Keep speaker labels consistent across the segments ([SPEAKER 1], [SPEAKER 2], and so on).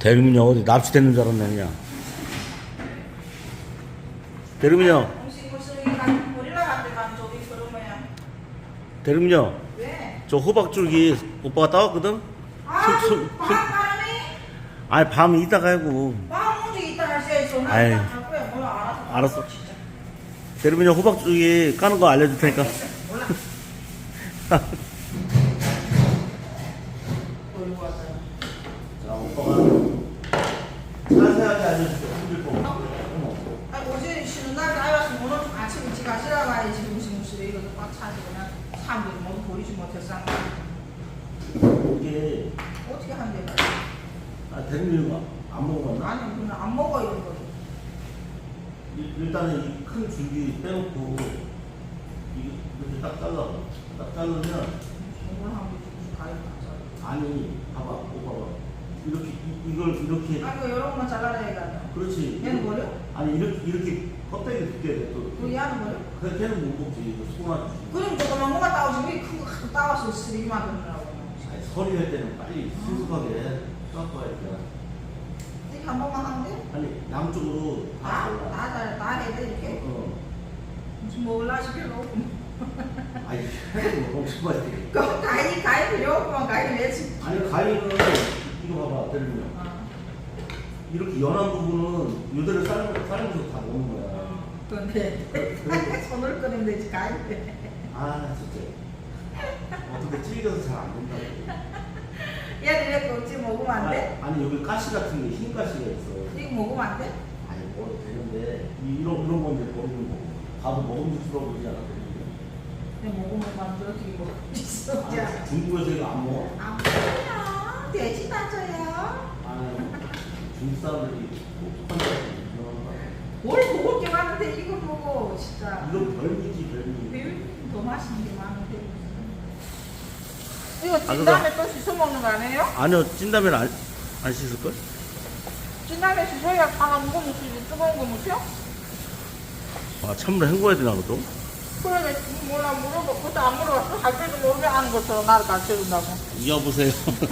[SPEAKER 1] 대리민이 어디 납치됐는 줄 알았네 그냥. 대리민요. 대리민요.
[SPEAKER 2] 왜?
[SPEAKER 1] 저 호박줄기 오빠가 따왔거든.
[SPEAKER 2] 아,
[SPEAKER 1] 술-
[SPEAKER 2] 바람이?
[SPEAKER 1] 아니 밤 이따가 하고.
[SPEAKER 2] 방 문제 있다 할수 있어.
[SPEAKER 1] 아이.
[SPEAKER 2] 할 거야. 몰라.
[SPEAKER 1] 알았어. 대리민요 호박줄기 까는 거 알려줄 테니까.
[SPEAKER 2] 몰라. 돌고 왔어요.
[SPEAKER 1] 자 오빠가 자세하게 알려줄게. 힘들 거.
[SPEAKER 2] 아, 어제 쉬는 날 나와서 오늘 아침 일찍 가시라고 해야지 무슨 이것도 꽉 차지 그냥 사람들이 뭐 보이지 못해서
[SPEAKER 1] 이게
[SPEAKER 2] 어떻게 한대?
[SPEAKER 1] 대리민이가 안 먹어봤나?
[SPEAKER 2] 아니 그냥 안 먹어 이런 거.
[SPEAKER 1] 일단은 이 큰 줄기 빼놓고 이렇게 딱 잘라. 딱 자르면
[SPEAKER 2] 정말 한번 무슨 가위 맞아.
[SPEAKER 1] 아니 봐봐 오빠가 이렇게 이걸 이렇게
[SPEAKER 2] 아 이거 여러 번만 잘라야 해가지고.
[SPEAKER 1] 그렇지.
[SPEAKER 2] 얘는 버려?
[SPEAKER 1] 아니 이렇게 껍데기 두께 또
[SPEAKER 2] 그 얘는 버려?
[SPEAKER 1] 그래 걔는 못 먹지. 이거 소나
[SPEAKER 2] 그럼 조그만 거만 따오지 왜 큰 거 갖고 따와서 쓰레기만 넣느라고.
[SPEAKER 1] 서리 할 때는 빨리 신속하게 깎아야 돼.
[SPEAKER 2] 이렇게 한 번만 하면 돼?
[SPEAKER 1] 아니 양쪽으로 다 잘라.
[SPEAKER 2] 다 해야 돼 이렇게? 무슨 먹을라 싶어 놓고.
[SPEAKER 1] 아니 해도 먹지 마야 돼.
[SPEAKER 2] 그럼 가위 필요 없구만 가위 내지.
[SPEAKER 1] 아니 가위는 이거 봐봐 때리면 이렇게 연한 부분은 요대로 삶으면서 다 먹는 거야.
[SPEAKER 2] 근데 손을 끄면 되지 가위.
[SPEAKER 1] 아 진짜 어떻게 찔겨서 잘 안 된다고.
[SPEAKER 2] 얘는 왜 껍질 먹으면 안 돼?
[SPEAKER 1] 아니 여기 가시 같은 게 흰 가시가 있어.
[SPEAKER 2] 이거 먹으면 안 돼?
[SPEAKER 1] 아니 먹어도 되는데 이런 건 이제 버리는 거고 밥은 먹음직스러워 보이지 않아?
[SPEAKER 2] 근데 먹으면 어떻게 먹을 수 있어? 자.
[SPEAKER 1] 중국에서 이거 안 먹어?
[SPEAKER 2] 안 먹어요. 돼지 다져요.
[SPEAKER 1] 아니 중국 사람들이 똑똑한 사람들이
[SPEAKER 2] 뭘 먹을 게 많은데 이거 보고 진짜.
[SPEAKER 1] 이건 별미지 별미.
[SPEAKER 2] 더 맛있는 게 많은데. 이거 찐
[SPEAKER 1] 그거-
[SPEAKER 2] 다음에 또 씻어 먹는 거 아니에요?
[SPEAKER 1] 아니요 찐다면 안 씻을걸?
[SPEAKER 2] 찐 다음에 씻어야 다 무거 묻히지 뜨거운 거 묻혀?
[SPEAKER 1] 아 찬물에 헹궈야 되나 그것도?
[SPEAKER 2] 그래 몰라 물어봐. 그것도 안 물어봤어? 할 때도 모르게 아는 것처럼 나를 가르쳐준다고.
[SPEAKER 1] 여보세요.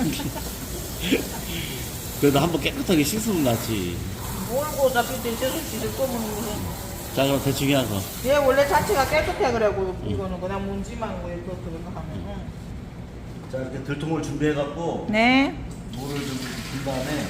[SPEAKER 1] 그래도 한번 깨끗하게 씻으면 낫지.
[SPEAKER 2] 모르고 어차피 대체로 씻을 거면 무슨.
[SPEAKER 1] 자 그럼 대충 해서
[SPEAKER 2] 얘 원래 자체가 깨끗해 그래고 이거는 그냥 문지만 뭐 이렇게 하면.
[SPEAKER 1] 자 이렇게 들통을 준비해갖고
[SPEAKER 2] 네.
[SPEAKER 1] 물을 좀 준 다음에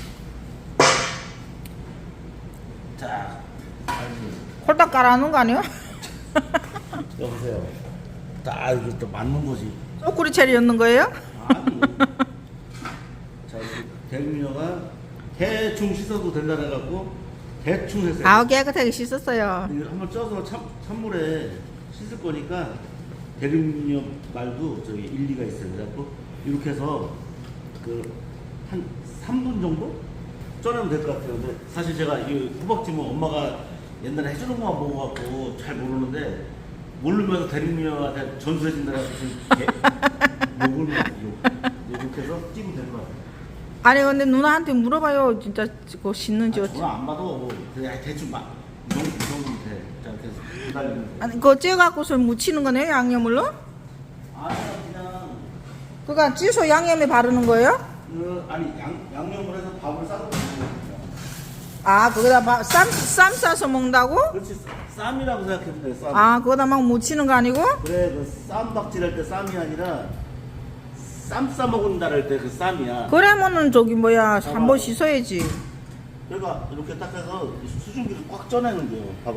[SPEAKER 1] 자 아이고
[SPEAKER 2] 홀딱 깔아놓은 거 아니에요?
[SPEAKER 1] 여보세요. 딱 이게 또 맞는 거지.
[SPEAKER 2] 쪼꾸리 채리 였는 거예요?
[SPEAKER 1] 아니. 자 이렇게 대미녀가 대충 씻어도 된다 해갖고 대충 해서
[SPEAKER 2] 아우 깨끗하게 씻었어요.
[SPEAKER 1] 이거 한번 쪄서 찬물에 씻을 거니까 대리미녀 말도 저기 일리가 있어요. 그래갖고 이렇게 해서 그 한 3분 정도 쪄내면 될 것 같아요. 근데 사실 제가 이 호박찜은 엄마가 옛날에 해주는 것만 먹어갖고 잘 모르는데 모르면서 대리미녀한테 전수해준다고 욕을 이렇게 해서 찌면 될 것 같아요.
[SPEAKER 2] 아니 근데 누나한테 물어봐요. 진짜 그거 씻는지
[SPEAKER 1] 아,
[SPEAKER 2] 어찌.
[SPEAKER 1] 전화 안 받아. 그냥 대충 막 이 정도면 돼. 자 이렇게 해서 기다리면 돼.
[SPEAKER 2] 아니 그거 쪄갖고서 묻히는 거네요 양념을로?
[SPEAKER 1] 아니 그냥
[SPEAKER 2] 그니까 찌소 양념에 바르는 거예요?
[SPEAKER 1] 아니 양념을 해서 밥을 싸서 먹는 거야.
[SPEAKER 2] 아 거기다 쌈 싸서 먹는다고?
[SPEAKER 1] 그렇지 쌈이라고 생각해도 돼. 쌈.
[SPEAKER 2] 아 거기다 막 묻히는 거 아니고?
[SPEAKER 1] 그래 그 쌈박질할 때 쌈이 아니라 쌈 싸 먹는다 할 때 그 쌈이야.
[SPEAKER 2] 그러면은 저기 뭐야 한 번 씻어야지.
[SPEAKER 1] 그러니까 이렇게 딱 해서 수증기를 꽉 쪄내는 거예요. 봐봐.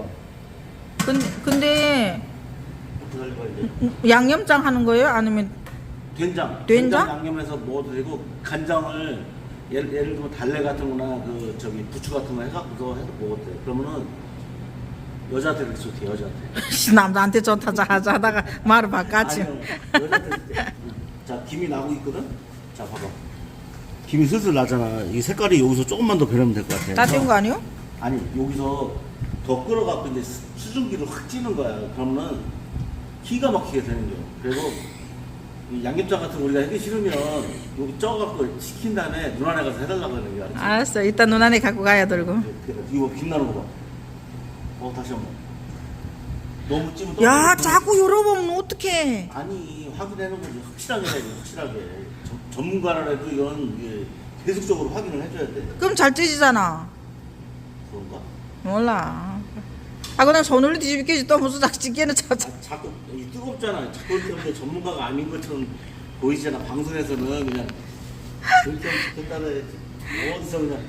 [SPEAKER 2] 근데
[SPEAKER 1] 어떻게 할까 이제.
[SPEAKER 2] 양념장 하는 거예요? 아니면 된장?
[SPEAKER 1] 양념해서 먹어도 되고 간장을 예를 들면 달래 같은 거나 그 저기 부추 같은 거 해갖고서 해서 먹어도 돼. 그러면은 여자한테 그렇게 좋대. 여자한테.
[SPEAKER 2] 남자한테 좋다 하다가 말을 바꿨지.
[SPEAKER 1] 아니요, 여자한테 좋대. 자 김이 나고 있거든. 자 봐봐. 김이 슬슬 나잖아. 이 색깔이 여기서 조금만 더 변하면 될 것 같아.
[SPEAKER 2] 다 찐 거 아니요?
[SPEAKER 1] 아니 여기서 더 끓어갖고 이제 수증기를 확 찌는 거야. 그러면은 기가 막히게 되는 거야. 그리고 이 양념장 같은 거 우리가 하기 싫으면 여기 쪄갖고 식힌 다음에 누나네 가서 해달라고 하는 거야.
[SPEAKER 2] 알았어. 이따 누나네 갖고 가야 들고.
[SPEAKER 1] 이거 빛나는 거 봐. 다시 한 번. 너무 찌면 또.
[SPEAKER 2] 야 자꾸 열어보면 어떡해.
[SPEAKER 1] 아니 확인해놓은 거지. 확실하게 해야지. 확실하게. 전문가라도 이건 이게 계속적으로 확인을 해줘야 돼.
[SPEAKER 2] 그럼 잘 찢어지잖아.
[SPEAKER 1] 그런가?
[SPEAKER 2] 몰라. 아 그냥 손으로 뒤집기지 또 무슨 닭집게는
[SPEAKER 1] 아, 자꾸 이 뜨겁잖아. 자꾸 이렇게 전문가가 아닌 것처럼 보이잖아. 방송에서는 그냥 그렇게 하면 좋겠다고 해야지. 어디서 그냥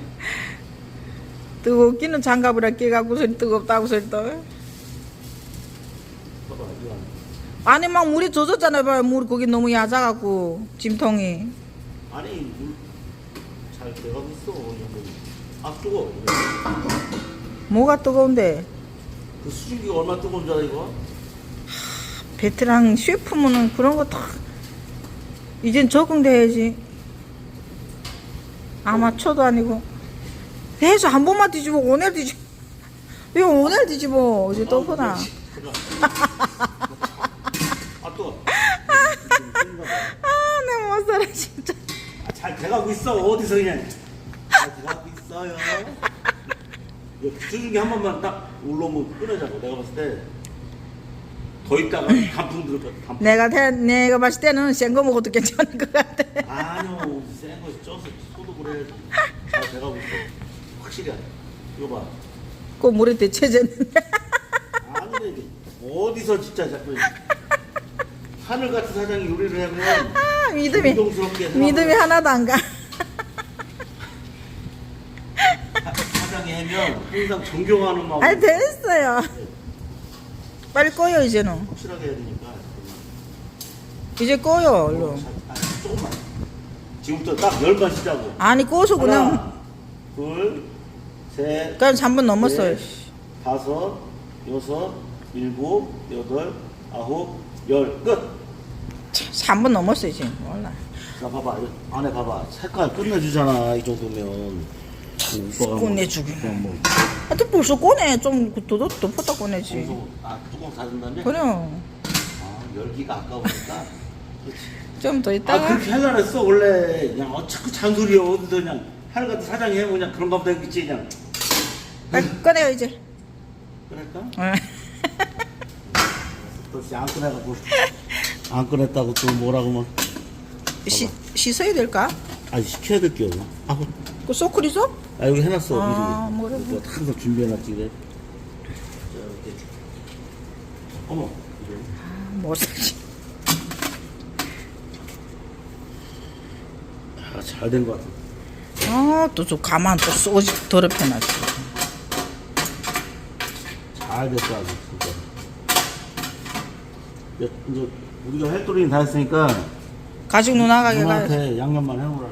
[SPEAKER 2] 뜨겁기는 장갑을 끼갖고 소리 뜨겁다고 소리 또.
[SPEAKER 1] 봐봐 이거
[SPEAKER 2] 아니 막 물이 젖었잖아요. 봐요. 물 거기 너무 얕아갖고 짐통이.
[SPEAKER 1] 아니 물 잘 돼가고 있어. 아 뜨거.
[SPEAKER 2] 뭐가 뜨거운데?
[SPEAKER 1] 그 수증기가 얼마나 뜨거운 줄 알아 이거?
[SPEAKER 2] 베테랑 셰프면은 그런 거 다 이젠 적응돼야지. 아마추어도 아니고 해서 한 번만 뒤집어 오늘 뒤집어 왜 오늘 뒤집어 어제 또 보나.
[SPEAKER 1] 아 뜨거.
[SPEAKER 2] 내 못 살아 진짜.
[SPEAKER 1] 아, 잘 돼가고 있어. 어디서 그냥 잘 돼가고 있어요. 이거 수증기 한 번만 딱 올라오면 끊어자고. 내가 봤을 때 더 있다가 단풍 들을 거야. 단풍.
[SPEAKER 2] 내가 봤을 때는 센 거 먹어도 괜찮을 것 같아.
[SPEAKER 1] 아니요, 센 거 쪄서 소독을 해야지. 잘 돼가고 있어. 확실히. 이거 봐.
[SPEAKER 2] 그 물에 데쳐졌는데.
[SPEAKER 1] 아, 근데 이게 어디서 진짜 자꾸 하늘 같은 사장이 요리를 하면
[SPEAKER 2] 아 믿음이
[SPEAKER 1] 존경스럽게
[SPEAKER 2] 믿음이 하나도 안 가.
[SPEAKER 1] 사장이 하면 항상 존경하는 마음.
[SPEAKER 2] 아니 됐어요. 빨리 꺼요 이제는.
[SPEAKER 1] 확실하게 해야 되니까.
[SPEAKER 2] 이제 꺼요 얼른.
[SPEAKER 1] 조금만. 지금부터 딱 열만 쉬자고.
[SPEAKER 2] 아니 꺼서 그냥.
[SPEAKER 1] 하나, 둘, 셋.
[SPEAKER 2] 그냥 3분 넘었어요.
[SPEAKER 1] 넷, 다섯, 여섯, 일곱, 여덟, 아홉, 열. 끝.
[SPEAKER 2] 3분 넘었어요 이제. 몰라.
[SPEAKER 1] 자, 봐봐. 이거 안에 봐봐. 색깔 끝내주잖아. 이 정도면. 오빠가 뭐
[SPEAKER 2] 끝내주기.
[SPEAKER 1] 그냥 뭐.
[SPEAKER 2] 아, 또 벌써 꺼내. 좀 덮었다 꺼내지.
[SPEAKER 1] 뚜껑 닫은 다음에.
[SPEAKER 2] 그래.
[SPEAKER 1] 아, 열기가 아까우니까. 그렇지.
[SPEAKER 2] 좀 더
[SPEAKER 1] 아,
[SPEAKER 2] 있다가.
[SPEAKER 1] 그렇게 하려고 했어. 원래. 그냥 자꾸 잔소리야. 어디서 그냥. 하늘 같은 사장이 해. 그냥 그런가 보다 했겠지. 그냥.
[SPEAKER 2] 빨리 꺼내요 이제.
[SPEAKER 1] 그럴까?
[SPEAKER 2] 응.
[SPEAKER 1] 또 안 꺼내갖고. 안 꺼냈다고 또 뭐라고 막.
[SPEAKER 2] 씻어야 될까?
[SPEAKER 1] 아, 시켜야 될 게 없나? 아,
[SPEAKER 2] 그 소쿠리 줘?
[SPEAKER 1] 아, 여기 해놨어.
[SPEAKER 2] 아,
[SPEAKER 1] 미리.
[SPEAKER 2] 뭐래,
[SPEAKER 1] 이거 항상 준비해놨지, 그래. 자, 이렇게. 어머. 이거.
[SPEAKER 2] 못 사지.
[SPEAKER 1] 아, 잘 된 것 같아.
[SPEAKER 2] 아, 또 저 가만 또 쏘지 더럽혀놨지.
[SPEAKER 1] 잘 됐어, 아주, 진짜. 이제 우리가 햇돌이는 다 했으니까.
[SPEAKER 2] 가죽 누나가게 가야지.
[SPEAKER 1] 누나한테 양념만 해놓으라고.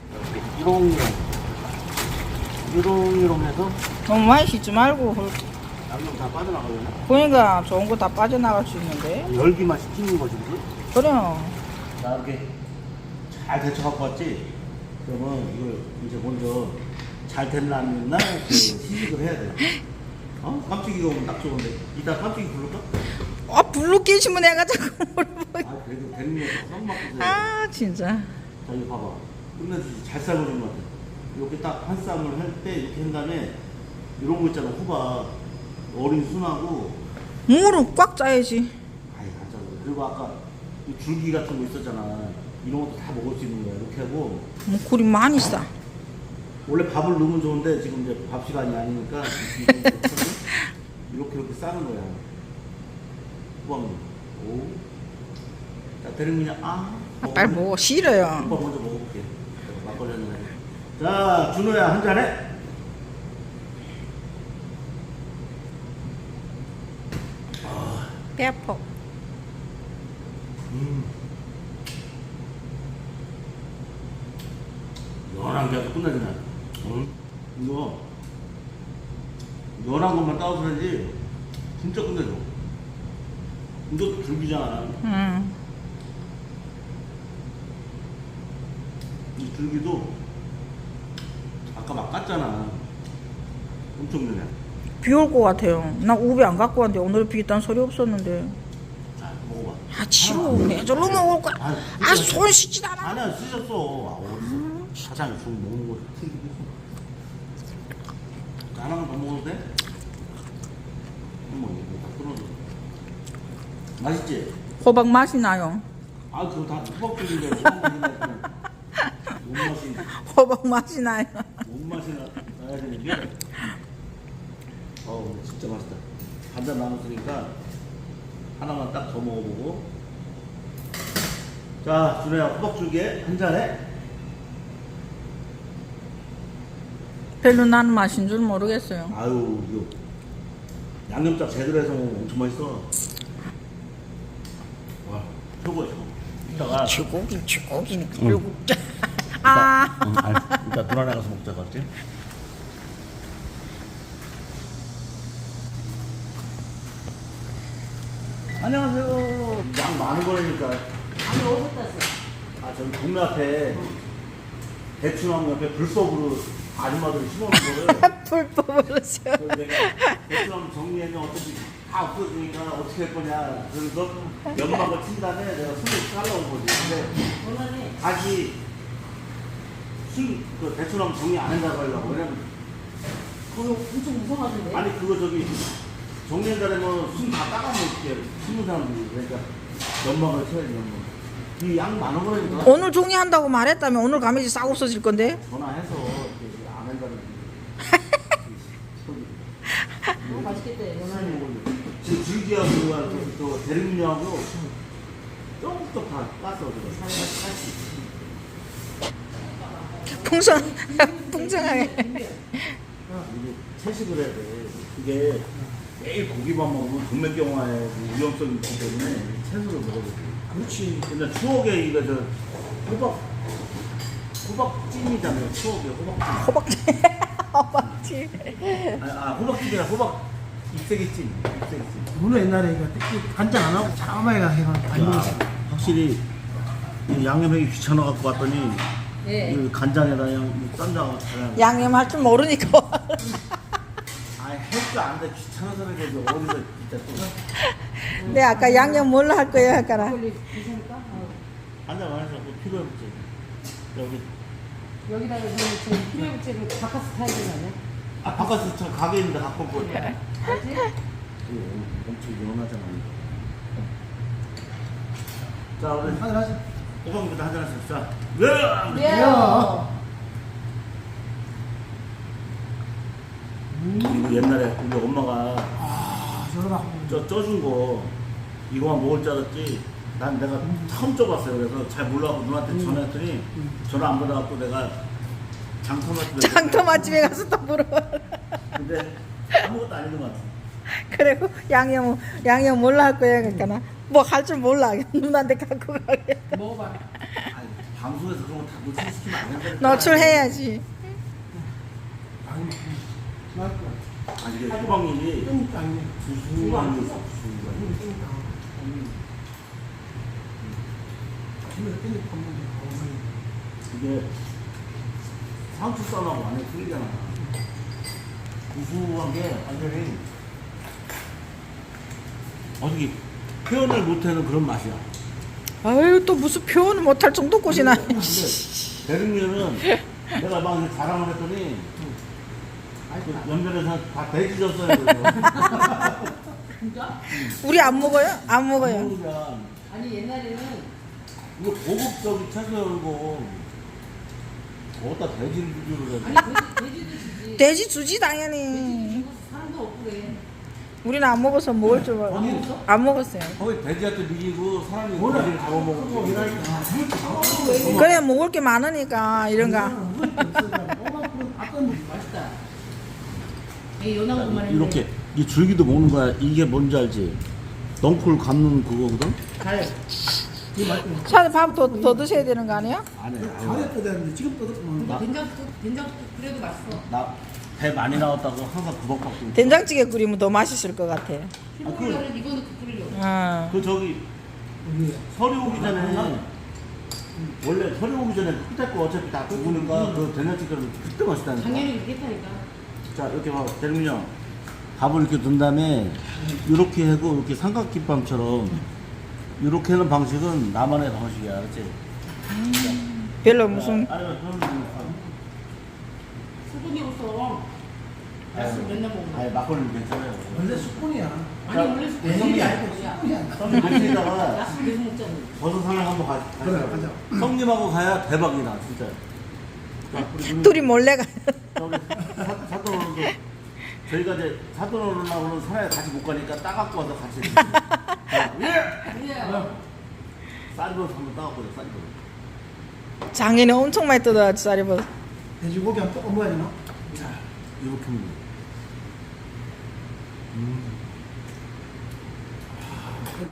[SPEAKER 1] 이롱이롱 해서
[SPEAKER 2] 너무 많이 씻지 말고.
[SPEAKER 1] 양념 다 빠져나가려나?
[SPEAKER 2] 그러니까 좋은 거 다 빠져나갈 수 있는데.
[SPEAKER 1] 열기만 식히는 거지, 그지?
[SPEAKER 2] 그래.
[SPEAKER 1] 자, 이렇게 잘 데쳐갖고 왔지? 그러면 이걸 이제 먼저 잘 됐나 안 됐나 그 시식을 해야 돼. 어? 깜찍이가 오면 딱 좋은데. 이따 깜찍이 부를까?
[SPEAKER 2] 아, 불로 끼시면 내가 자꾸 물어보고.
[SPEAKER 1] 아, 그래도 되는 거 썸 맞고 돼.
[SPEAKER 2] 아, 진짜.
[SPEAKER 1] 자, 이거 봐봐. 끝내주지. 잘 삶아준 것 같아. 이렇게 딱 한 쌈을 할 때 이렇게 한 다음에 이런 거 있잖아. 호박. 어린 순하고.
[SPEAKER 2] 무릎 꽉 짜야지.
[SPEAKER 1] 아이, 맞아. 그리고 아까 이 줄기 같은 거 있었잖아. 이런 것도 다 먹을 수 있는 거야. 이렇게 하고.
[SPEAKER 2] 뭐 굴이 많이 싸.
[SPEAKER 1] 원래 밥을 넣으면 좋은데 지금 이제 밥 시간이 아니니까 이렇게 싸는 거야. 호박물. 오. 자, 대리문이야. 아.
[SPEAKER 2] 빨리 먹어. 싫어요.
[SPEAKER 1] 오빠 먼저 먹어볼게. 막걸리 한잔 해. 자, 준호야 한 잔 해.
[SPEAKER 2] 배 아파.
[SPEAKER 1] 연한 게 아주 끝나잖아. 응? 이거 연한 것만 따서 그런지 진짜 끝내줘. 이것도 줄기잖아. 이 줄기도 아까 막 깠잖아. 엄청 연해.
[SPEAKER 2] 비 올 것 같아요. 나 우비 안 갖고 왔는데 오늘 비 있다는 소리 없었는데.
[SPEAKER 1] 자, 먹어봐.
[SPEAKER 2] 아, 치워. 내절로 먹을 거야. 아, 손 씻지도 않아.
[SPEAKER 1] 아니야, 쓰셨어. 아, 어디서? 사장이 술 먹는 거 튀기고. 하나만 더 먹어도 돼? 어머, 이거 다 끊어져. 맛있지?
[SPEAKER 2] 호박 맛이 나요.
[SPEAKER 1] 아, 그거 다 호박죽인데. 몸맛이
[SPEAKER 2] 호박 맛이 나요.
[SPEAKER 1] 몸맛이 나야 되는 게 진짜 맛있다. 반잔 남았으니까 하나만 딱 더 먹어보고. 자, 준호야, 호박죽에 한 잔에.
[SPEAKER 2] 별로 나는 맛인 줄 모르겠어요.
[SPEAKER 1] 아유, 이거 양념장 제대로 해서 먹으면 엄청 맛있어. 와, 최고야, 최고. 이따가
[SPEAKER 2] 쥐고기니까 불국자. 아.
[SPEAKER 1] 이따 누나네 가서 먹자, 맞지? 안녕하세요. 양 많은 거라니까.
[SPEAKER 2] 아니 어디서 땄어?
[SPEAKER 1] 저기 동네 앞에 대추나무 옆에 불법으로 아줌마들이 심어놓은 거를
[SPEAKER 2] 불법으로 써.
[SPEAKER 1] 그래서 내가 대추나무 정리하면 어차피 다 없어지니까 어떻게 할 거냐. 그래서 연막을 친 다음에 내가 숨을 잘라온 거지. 근데
[SPEAKER 2] 원하네.
[SPEAKER 1] 다시 그 대추나무 정리 안 한다고 하려고. 왜냐면
[SPEAKER 2] 그거 엄청 무서워하던데.
[SPEAKER 1] 아니 그거 저기 정리한다면 숨 다 따가먹게 심는 사람들이. 그러니까 연막을 쳐야지, 연막. 이 양 많은 거라니까.
[SPEAKER 2] 오늘 종이한다고 말했다면 오늘 가면이 싹 없어질 건데.
[SPEAKER 1] 전화해서 이렇게 안 한다는.
[SPEAKER 2] 너무 맛있겠다.
[SPEAKER 1] 지금 줄기하고 또 대륙류하고 조금 다 깠어.
[SPEAKER 2] 풍성하게.
[SPEAKER 1] 이게 채식을 해야 돼. 이게 매일 고기만 먹으면 동맥경화에 위험성이 있기 때문에 채소를 먹어야 돼. 그렇지. 근데 추억에 이거 호박찜이잖아요. 추억에 호박찜.
[SPEAKER 2] 호박지.
[SPEAKER 1] 호박찜이라 호박 잎새기찜.
[SPEAKER 3] 물론 옛날에 이거 특히 간장 안 하고 자마이가 해가 안 먹었어.
[SPEAKER 1] 확실히 이 양념하기 귀찮아 갖고 왔더니
[SPEAKER 2] 예.
[SPEAKER 1] 이 간장에다 그냥 쌈장하고 잘.
[SPEAKER 2] 양념할 줄 모르니까.
[SPEAKER 1] 할줄 아는데 귀찮아서 그래. 어디서 진짜 또.
[SPEAKER 2] 네 아까 양념 뭘로 할 거예요 아까라.
[SPEAKER 1] 한잔 안 해서 뭐 필요해봤지. 여기.
[SPEAKER 4] 여기다가 저 피레부채를 바꿔서 타야 되는 거 아니야?
[SPEAKER 1] 바깥에서 저 가게 있는데 갖고 올 거야.
[SPEAKER 4] 알지?
[SPEAKER 1] 엄청 연하잖아. 자, 우리
[SPEAKER 3] 한잔 하자.
[SPEAKER 1] 호박부터 한잔 하시죠. 자, 네!
[SPEAKER 4] 왜요?
[SPEAKER 1] 이거 옛날에 우리 엄마가
[SPEAKER 3] 저러다.
[SPEAKER 1] 쪄준 거 이거만 먹을 줄 알았지. 난 내가 처음 쪄봤어요. 그래서 잘 몰라갖고 누나한테 전화했더니 전화 안 받아갖고 내가
[SPEAKER 2] 장터 맛집에 가서 또 물어봐.
[SPEAKER 1] 근데 아무것도 안 있는 것 같아.
[SPEAKER 2] 그리고 양념 뭘로 할 거야 그러니까 뭐 할 줄 몰라. 누나한테 갖고 가게.
[SPEAKER 4] 먹어봐.
[SPEAKER 1] 아니, 방송에서 그런 거 다 노출시키면 안 된다니까.
[SPEAKER 2] 노출해야지.
[SPEAKER 1] 아니 이게 호박잎이 구수한 게 있어. 이게 상추 쌈하고 완전 틀리잖아. 구수한 게 완전히 어떻게 표현을 못하는 그런 맛이야.
[SPEAKER 2] 아유 또 무슨 표현을 못할 정도 꽃이나.
[SPEAKER 1] 근데 대륙면은 내가 막 이렇게 자랑을 했더니 그 연변에서 다 돼지 줬어요.
[SPEAKER 4] 진짜?
[SPEAKER 2] 우리 안 먹어요? 안 먹어요.
[SPEAKER 1] 그러니까
[SPEAKER 4] 아니 옛날에는
[SPEAKER 1] 이거 고급적인 채소열고 어디다 돼지를 주기로 해.
[SPEAKER 4] 아니 돼지도 주지.
[SPEAKER 2] 돼지 주지 당연히.
[SPEAKER 4] 주고 사람도 없고 그래.
[SPEAKER 2] 우리는 안 먹어서 먹을 줄 몰라. 안 먹었어요.
[SPEAKER 1] 거기 돼지한테 미기고 사람이 돼지를 잡아먹고
[SPEAKER 2] 그래 먹을 게 많으니까 이런가.
[SPEAKER 4] 맛있다. 이 연하고만
[SPEAKER 1] 이렇게 이 줄기도 먹는 거야. 이게 뭔지 알지? 넝쿨 감는 그거거든?
[SPEAKER 4] 잘.
[SPEAKER 2] 차에 밥더 드셔야 되는 거 아니야?
[SPEAKER 1] 안 해.
[SPEAKER 3] 잘해 뜯었는데 지금 뜯었구만.
[SPEAKER 4] 된장 그래도 맛있어.
[SPEAKER 1] 나배 많이 나왔다고 항상 구박받고.
[SPEAKER 2] 된장찌개 끓이면 더 맛있을 것 같아.
[SPEAKER 4] 흰물을 이거는 끓이려고.
[SPEAKER 2] 어.
[SPEAKER 1] 그 저기 설이 오기 전에 원래 설이 오기 전에 그때 거 어차피 다 구우니까 그 된장찌개를 그때 맛있다니까.
[SPEAKER 4] 당연히 그렇게 했다니까.
[SPEAKER 1] 자 이렇게 봐 대림이 형 밥을 이렇게 둔 다음에 이렇게 하고 이렇게 삼각김밥처럼 이렇게 하는 방식은 나만의 방식이야, 그렇지?
[SPEAKER 2] 별로 무슨
[SPEAKER 1] 아니면 그런
[SPEAKER 4] 수분이 없어. 야수 맨날 먹는
[SPEAKER 1] 아니 막걸리 괜찮아요.
[SPEAKER 3] 원래 수분이야.
[SPEAKER 4] 아니 원래
[SPEAKER 3] 내성이
[SPEAKER 4] 수분이
[SPEAKER 3] 아니고
[SPEAKER 4] 아니야.
[SPEAKER 3] 수분이야.
[SPEAKER 1] 형님 밑에다가
[SPEAKER 4] 야수 계속 먹잖아.
[SPEAKER 1] 버섯 하나 한번
[SPEAKER 3] 그래,
[SPEAKER 1] 가자.
[SPEAKER 3] 가자.
[SPEAKER 1] 형님하고 가야 대박이다, 진짜.
[SPEAKER 2] 둘이 몰래 가.
[SPEAKER 1] 사돈어른도 저희가 이제 사돈어른하고는 산에 같이 못 가니까 따갖고 와서 같이 쌀버섯 한번 따갖고 쌀버섯.
[SPEAKER 2] 작년에 엄청 많이 뜯어왔지 쌀이버섯.
[SPEAKER 3] 돼지고기 한번 먹어야 되나?
[SPEAKER 1] 자 이렇게 먹는 거.